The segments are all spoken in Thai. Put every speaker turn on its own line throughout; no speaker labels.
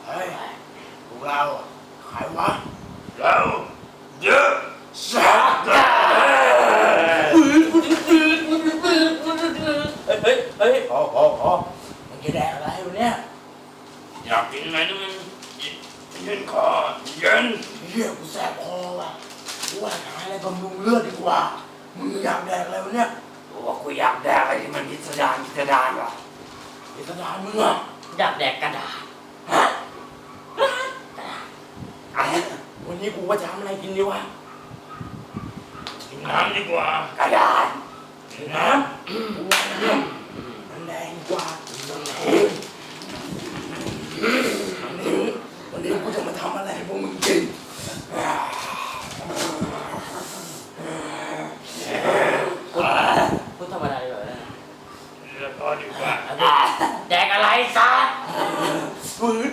เฮ้ยพวกเราใครวะ
เราเยอะสัก
เฮ้ยพอมันจะแดกอะไรวะเนี่ย
อยากกินอะไรนี่มันเย็นคอเย็น
เฮียกูแสบคอว่ะกูว่าหาอะไรบำรุงเลือดดีกว่ามึงอยากแดกอะไรวะเนี่ย
ว่ากูอยากแดกอะไรที่มันพิสดารว่ะ
พิสดารมึงอ่ะ
อยากแดกกระดาษ
ฮะวันนี้กูว่าจะทำอะไรกินดีวะ
กินน้ำดีกว่าก
ระดาษกินน้ำกูว่าน้ำมันแดงกว่าวันนี้กูจะมาทำอะไรให้พวกมึงกิน
พูดธรรมดาดีกว่า
แล้วก็ดีกว่า
แดกอะไรสัส
ฝืด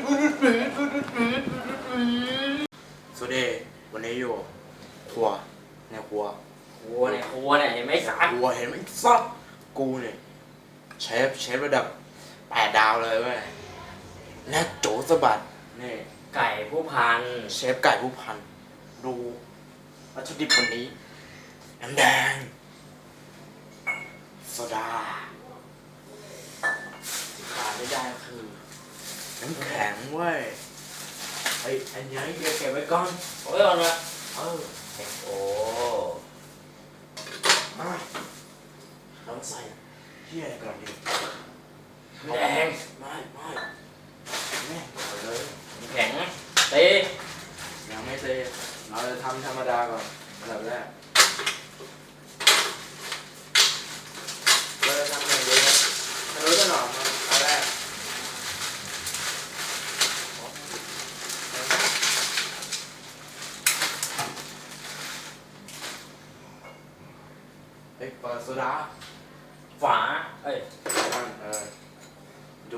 สวัสดีวันนี้อยู่ครัวในครัว
เห็นไหมสัส
ครัวเห็นไหมซับกูเนี่ยเชฟระดับ8 ดาวเลยเว้ยและโจสะบัดนี่
ไก่ผู้พัน
เชฟไก่ผู้พันดูวัตถุดิบวันนี้น้ำแดงโซดาขาดไม่ได้ก็คือน้ำแข็งเว้ยอันนี้เดี๋ยวเก็บไว้ก่อน
โอ้ยเอาละโอ้
มาลองใส่เฮียอะไรก่อนดี
แดง
ไม่แม่เลย
แข็งตี
ยังไม่เตะเราจะทำธรรมดาก่อนอันดับแรกเราจะทำอย่างนี้นะไม่รู้จะหนอมอันแรกเปิดโซดา
ฝา
ดู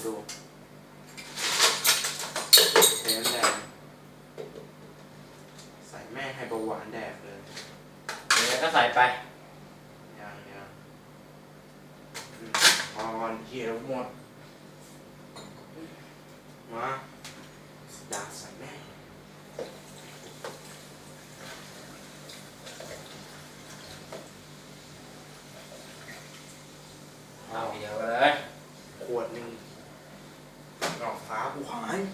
เห็นแดงใส่แม่ให้เบาหวานแดกเลย
แล้วก็ใส่ไป
ยังพอก่อนเหี้ยแล้วหมดมาดาใส่แม่
เอาเดียวเลย
ขวดหนึ่งดอกฟ้ากูหาย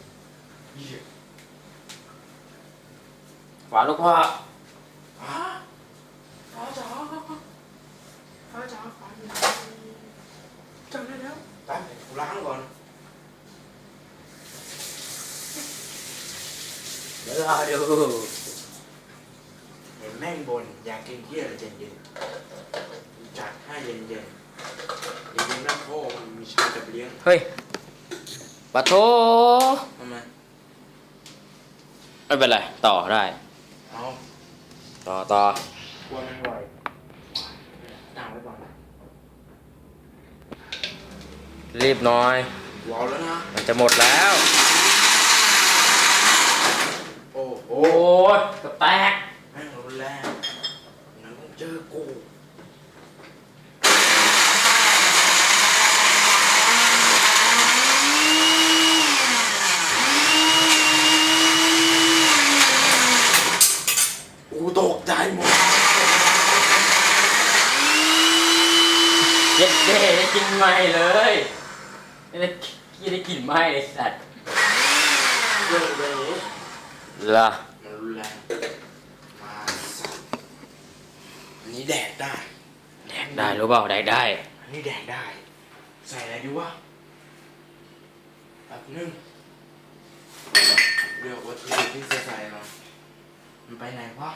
ฝาลูกพ่อ
ฟ้าจ๋าจำได้แล้วไปกูล้างก่อน
เดี๋ยวรอดู
เห็นแม่งบนอยากกินเที่ยอะไรเย็นๆจัดให้เย็นแม่โค้มันมีชาจับเลี้ยง
เฮ้ยปะโถ
ทำไม
ไม่เป็นไรต่อได้
เอา
ต่อ
กลัวมันไหวตั้งไว้ก่อน
รีบหน่อย
ว้าวแล้วนะ
มันจะหมดแล้ว
โอ้โห
กระแตก
แม่งรุนแรงงั้นต้องเจอกูตกใจหมด
เย็ดเด้ได้กินไหมเลยได้กินไหมเลยสัตว์
เรื่องเลย
ล่ะ
มันรุนแรงมาสัตว์อันนี้แดกได้
รู้เปล่าแดกได้
อันนี้แดกได้ใส่อะไรดีวะแบบนึงเลือกวัตถุดิบที่จะใส่มามันไปไหนวะ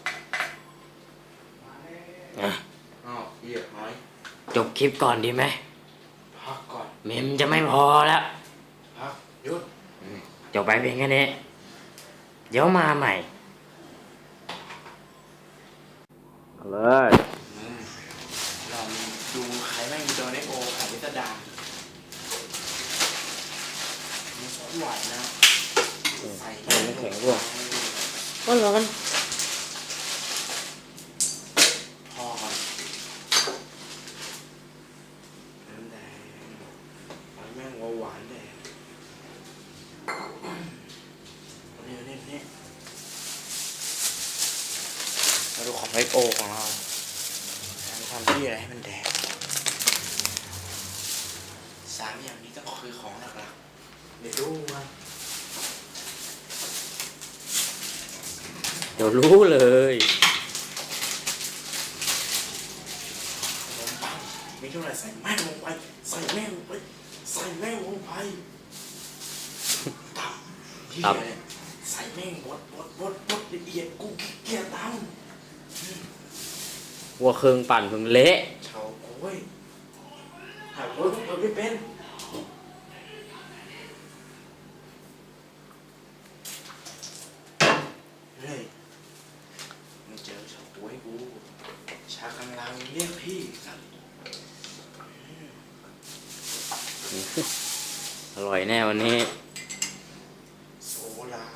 อ้าวเหี้ยน้อย
จบคลิปก่อนดีไหม
พักก่อน
เมมจะไม่พอแล้ว
พักหยุด
จบไปเพียงแค่นี้เดี๋ยวมาใหม่เลย
เราดูใครแม่งโดนไอโอขายพิสดารมีซอสหวานนะใส่
น้ำแข็งด้วยร้อน
พอก่อนน้ำแดงแม่งหวานแดง XO ของเราทำที่อะไรให้มันแดง3 อย่างนี้ก็คือของหลักๆเดี๋ยวดูว่า
เดี๋ยวรู้เลย
ลงไปมีเท่าไหร่ใส่แม่งลงไปใส่แม่งลงไปใส่แม่งลงไปตับเหี้ยเนี่ยใส่แม่งบดละเอียดกูขี้เกียจทำ
วัวเครื่องปั่นผมเละ
เฉาโอ้ยหาโอ้ยเปิดไม่เป็นเฮ้ยมึงเจอเฉาโอ้ยกูชากำลังเรียกพี่สัตว์
อร่อยแน่วันนี้
โซดา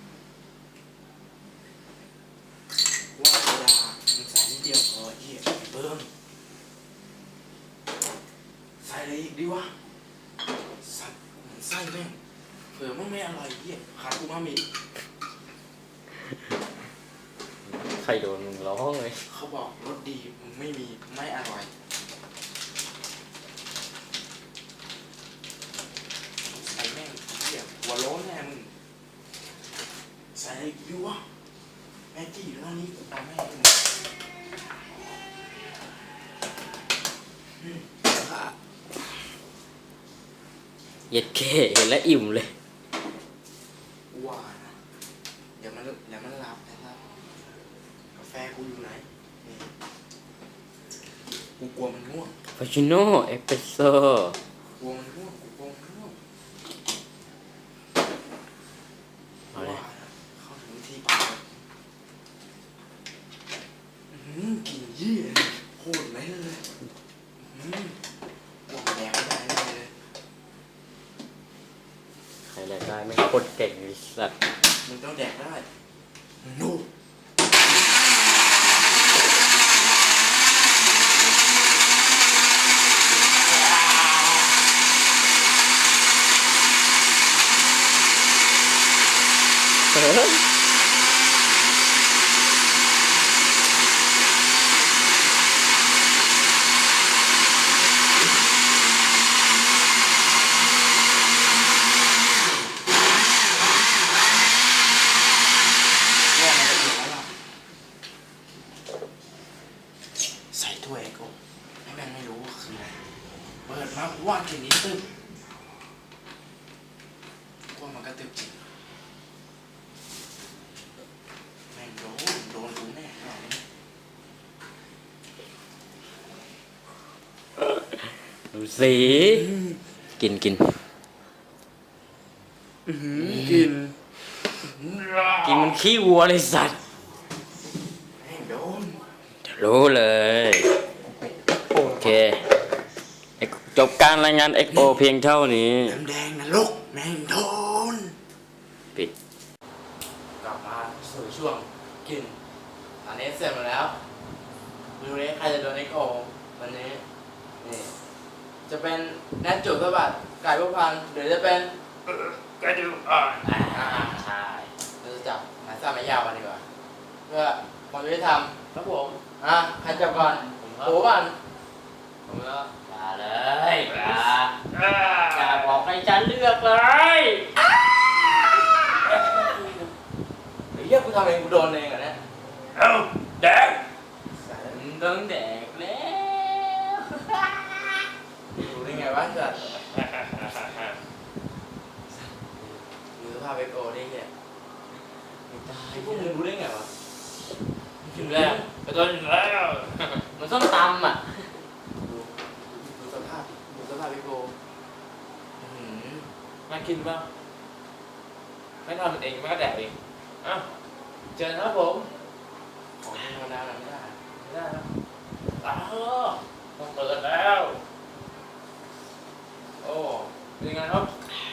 ว่าโซดามึงใส่นิดเดียวพอเหี้ยเบิ่มใส่อะไรอีกดีวะสัตว์มันไส้แม่งเผื่อมันไม่อร่อยเหี้ยขาดอูมามิ
ใครโดนมึงร้องเลย
เขาบอกรสดีมึงไม่มีไม่อร่อยใส่แม่งเหี้ยหัวโล้นแน่มึงใส่อะไรอีกดีวะแม่จี้อยู่ตรงนี้กูเอาแม่งมึง
เย็ดเคเห็นแล้วอิ่มเลย
ว่านะอย่ามันหลับนะครับกาแฟกูอยู่ไหนนี่กูกลัวมันง่วง
ฟาชิโน่เอสเปรสโซ่
กลัวมันง่วงกูกลัวมันง่วง
เอาเลย
ว่านะเข้าถึงที่ปากกลิ่นเยี่ยโคตรไหมเลยกลัวแดงไม่ได้เลย
ใครแหละได้ไม่โคตรเก่งเลยสัตว์
มึงต้องแดกได้นู่นว่ามันจะถูกแล้วล่ะใส่ถ้วยกูให้แม่งไม่รู้ว่าคืออะไรเปิดมากูว่ากลิ่นนี้ตึ๊บว่ามันก็ตึ๊บจริงแม่งโดนกูแน่เอาเนี่ย
ดูสิกิน
กิน
กินมันขี้วัวเลยสัตว์
แม่งโดน
เดี๋ยวรู้เลย โอเคจบการรายงาน XO เพียงเท่านี้
น้ำแดงนรกแม่งโดน
ปิด
กลับมาสู่ช่วงกินอันนี้เสร็จหมดแล้วดูนี้ใครจะโดนไอโกวันนี้นี่จะเป็นแนทจุดสะบัดไก่พวกพันหรือจะเป็น
กระดูกอ่อน
ใช่
เราจะจับหมายสั้นหมายยาวกันดีกว่าเพื่อความยุติธรรม
ครับผม
ใครจับก่อน
ผมครับ
โอ้ก่อน
ผมก็อย่าเลยอย่า
อ่า
อย่าบอกให้ฉันเลือกเลย
ไอ้เหี้ยกูทำเองกูโดนเองอ่ะเนี่ย
เอาแดง
มึงต้องแดกแล้ว
รู้ได้ไงวะเกิดดูสภาพไอโกได้เหี้ย
ไม่ได้
ไอ้พวกมึงรู้ได้ไงวะ
ถึงแล้ว
กระโดดแล้ว
มันส้มตำอ่ะ
ดูสภาพไอโกอื้อหือ
มากินบ้างไม่ทำมันเองไม่ก็แดกเองอ้าวเจอครับผม
ของธรรมดาไม่ได้
ไม่ได้แล้วอ้าวต้องเปิดแล้ว โอ้เป็นไงครับ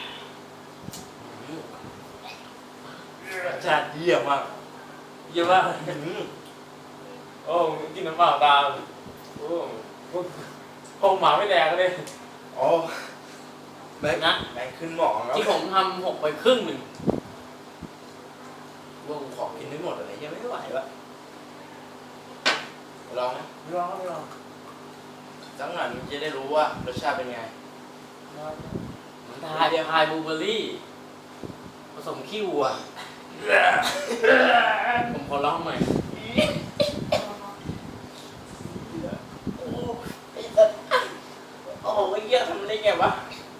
จัดเยี่ยมมาก
เยี่ยมมากโอ้กินน้ำเปล่าตามโอ้คงหมาไม่แดกเลย
อ๋อแบง
นะ
แบงขึ้นหมอแล้ว
ที่ผมทำ6 ไปครึ่งหนึ่ง
ว่ากูขอกินไม่หมดอะไรยังไม่ไหววะลองไหม
ไม่ลองไม่ลอง
สักหน่อยมันจะได้รู้ว่ารสชาติเป็นไง
มันทายบลูเบอร์รี่ผสมขี้วัวผมขอลองหน่อย
โอ้ไอ้สัสโอ้ยเหี้ยทำได้ไงวะ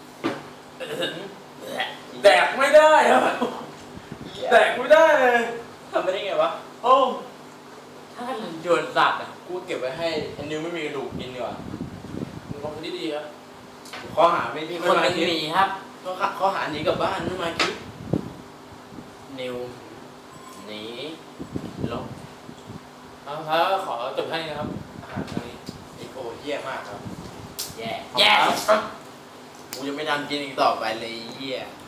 แดกไม่ได้ครับแดกไม่ได้เลย
ทำไปได้ไงวะ
โอ้
ถ้ามันโยนสัตว์อ่ะ
กูเก็บไว้ให้ไอ้นิวไม่มีกระดูกกินดีกว่า
มึงลองดีดีครับ
ข้อหาไม่
มี
ไม่
คน
มา
หนึง
คิด
หนีครับ
ข้อหาหนีกลับบ้านไม่มาคิด
นิวหนีลบ
เอาครับขอจบแค่นี้นะครับอาหารครั้งนี้
ไอ้โอ้เหี้ยมากครับ
แย่แย่
กูจะไม่ทำกินอีกต่อไปเลยไอ้เหี้ย